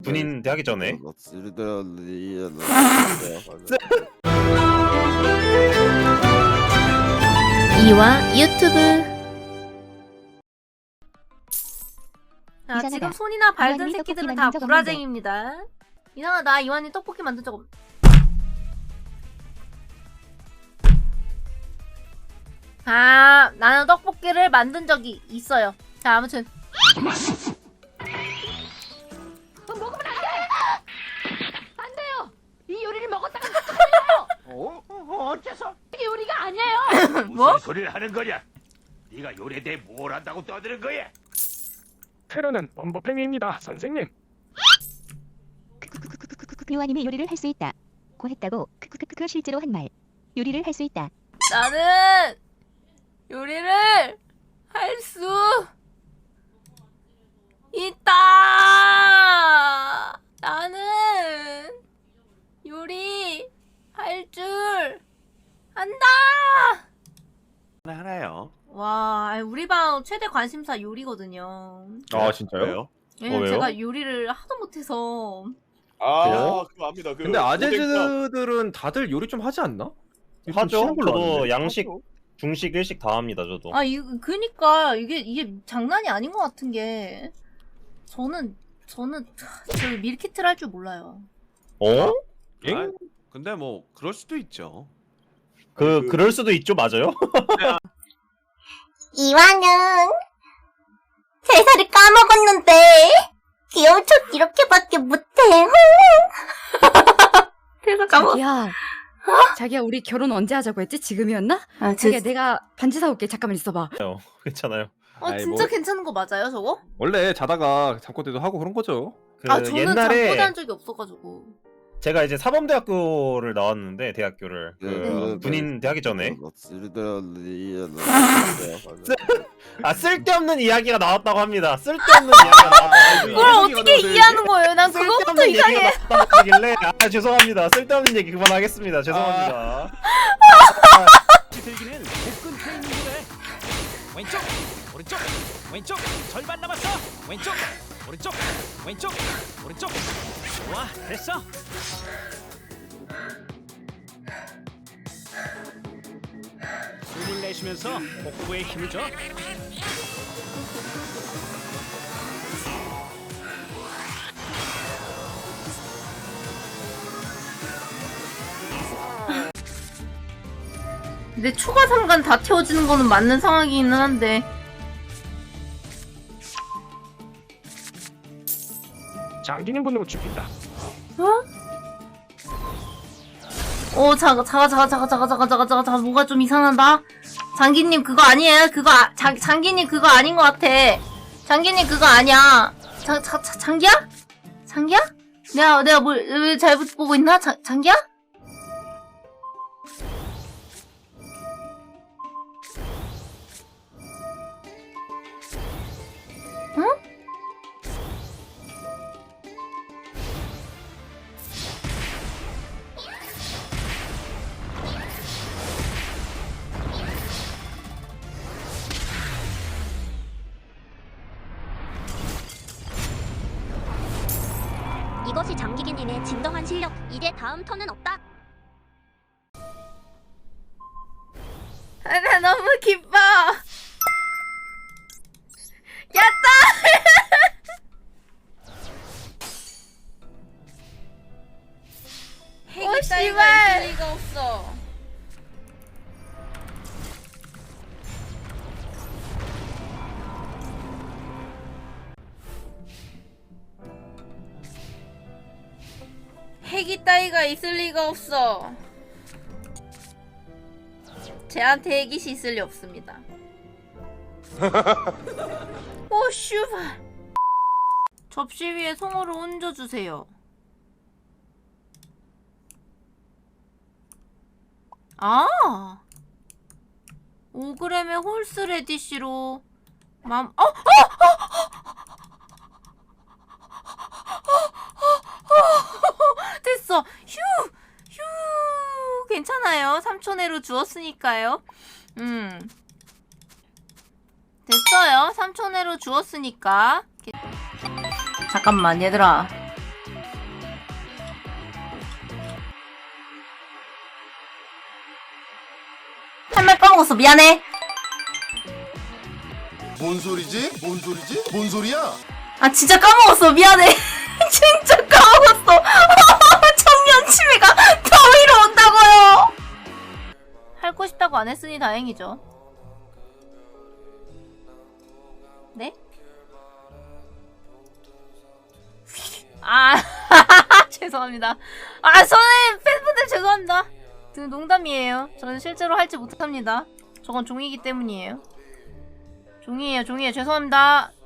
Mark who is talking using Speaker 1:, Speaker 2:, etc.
Speaker 1: 군인 대하기 전에.
Speaker 2: 이와 유튜브. 자,
Speaker 3: 이상하다.
Speaker 2: 지금 손이나 발든
Speaker 3: 이완이
Speaker 2: 새끼들은
Speaker 3: 떡볶이
Speaker 2: 다
Speaker 3: 만든 적
Speaker 2: 구라쟁입니다. 이상하다. 이완이 떡볶이 만든 적 없... 아, 나는 떡볶이를 만든 적이 있어요. 자, 아무튼
Speaker 3: 먹으면 안 돼요. 이 요리를 먹었다가
Speaker 4: 어째서?
Speaker 3: 이게 요리가 아니에요.
Speaker 2: 뭐?
Speaker 4: 무슨 소리를 하는 거냐? 네가 요리에 대해 뭘 안다고 떠드는 거야?
Speaker 5: 테러는 범법행위입니다, 선생님.
Speaker 3: 요한님이 요리를 할 수 있다. 고 했다고. 실제로 한 말. 요리를 할 수 있다.
Speaker 2: 나는 요리를 할 수 있다. 나는 요리 할 줄 안다.
Speaker 4: 하나요.
Speaker 2: 와, 우리 방 최대 관심사 요리거든요.
Speaker 1: 아 진짜요?
Speaker 6: 왜요?
Speaker 2: 왜냐면
Speaker 1: 왜요?
Speaker 2: 제가 요리를 하도 못해서.
Speaker 6: 아, 그거 압니다. 그
Speaker 7: 근데
Speaker 6: 오뎅밥.
Speaker 7: 아재들은 다들 요리 좀 하지 않나? 좀
Speaker 1: 하죠.
Speaker 7: 쉬운 걸로
Speaker 1: 저도
Speaker 7: 아는데.
Speaker 1: 양식, 중식, 일식 다 합니다. 저도.
Speaker 2: 아, 그니까 이게 장난이 아닌 것 같은 게 저는 저 밀키트를 할 줄 몰라요.
Speaker 1: 어?
Speaker 7: 엥?
Speaker 6: 근데 뭐 그럴 수도 있죠.
Speaker 1: 그럴 수도 있죠. 맞아요?
Speaker 8: 이와는 대사를 까먹었는데 귀여운 척 이렇게밖에 못해. 대사 까먹.
Speaker 9: 자기야 우리 결혼 언제 하자고 했지? 지금이었나?
Speaker 8: 아,
Speaker 9: 자기야 내가 반지 사올게. 잠깐만 있어봐.
Speaker 1: 괜찮아요.
Speaker 7: 아이,
Speaker 2: 진짜
Speaker 7: 뭐-
Speaker 2: 괜찮은 거 맞아요, 저거?
Speaker 7: 원래 자다가 잠꼬대도 하고 그런 거죠.
Speaker 1: 그
Speaker 2: 아, 저는
Speaker 1: 옛날에
Speaker 2: 잠꼬대 한 적이 없어가지고.
Speaker 1: 제가 이제 사범대학교를 나왔는데 대학교를
Speaker 6: 네.
Speaker 1: 군인 대하기 전에
Speaker 6: 아,
Speaker 1: 쓸데없는 이야기가 나왔다고 합니다. 쓸데없는 이야기가 나왔다고
Speaker 2: 그걸 어떻게 이해하는 거예요? 난 그거부터
Speaker 1: 쓸데없는
Speaker 2: 이상해.
Speaker 1: 얘기가 나왔다고 하길래 죄송합니다. 쓸데없는 얘기 그만하겠습니다. 죄송합니다.
Speaker 4: 들기는 복근 트레이닝이래. 왼쪽, 오른쪽, 왼쪽. 절반 남았어. 왼쪽, 오른쪽, 왼쪽, 오른쪽. 좋아, 됐어. 숨을 내쉬면서 복부에 힘을 줘.
Speaker 2: 근데 추가 상관 다 채워지는 거는 맞는 상황이기는 한데.
Speaker 5: 장기님 분으로 죽인다.
Speaker 2: 잠깐, 뭐가 좀 이상하다. 장기님 그거 아니에요? 장기님 그거 아닌 것 같아. 장기님 그거 아니야. 장기야? 장기야? 내가 왜 잘못 보고 있나? 장기야? 응?
Speaker 8: 이것이 장기기님의 진정한 실력. 이제 다음 턴은 없다.
Speaker 2: 나 너무 기뻐. 야따! 핵이 따위가 있을 리가 없어. 핵이 따위가 있을 리가 없어. 쟤한테 핵이 있을 리 없습니다. 오 슈발. 접시 위에 송어를 얹어주세요. 아 5g의 홀스 레디쉬로 됐어. 휴 괜찮아요. 3초 내로 주었으니까요. 됐어요. 3초 내로 주었으니까. 잠깐만 얘들아. 까먹었어. 미안해.
Speaker 10: 뭔 소리지? 뭔 소리지? 뭔 소리야?
Speaker 2: 아, 진짜 까먹었어. 미안해. 진짜 까먹었어. 청년 치매가 더위로 온다고요. 하고 싶다고 안 했으니 다행이죠. 네? 아, 죄송합니다. 아, 저는 팬분들 죄송합니다. 농담이에요. 저는 실제로 할지 못합니다. 저건 종이기 때문이에요. 종이에요, 종이에요. 죄송합니다.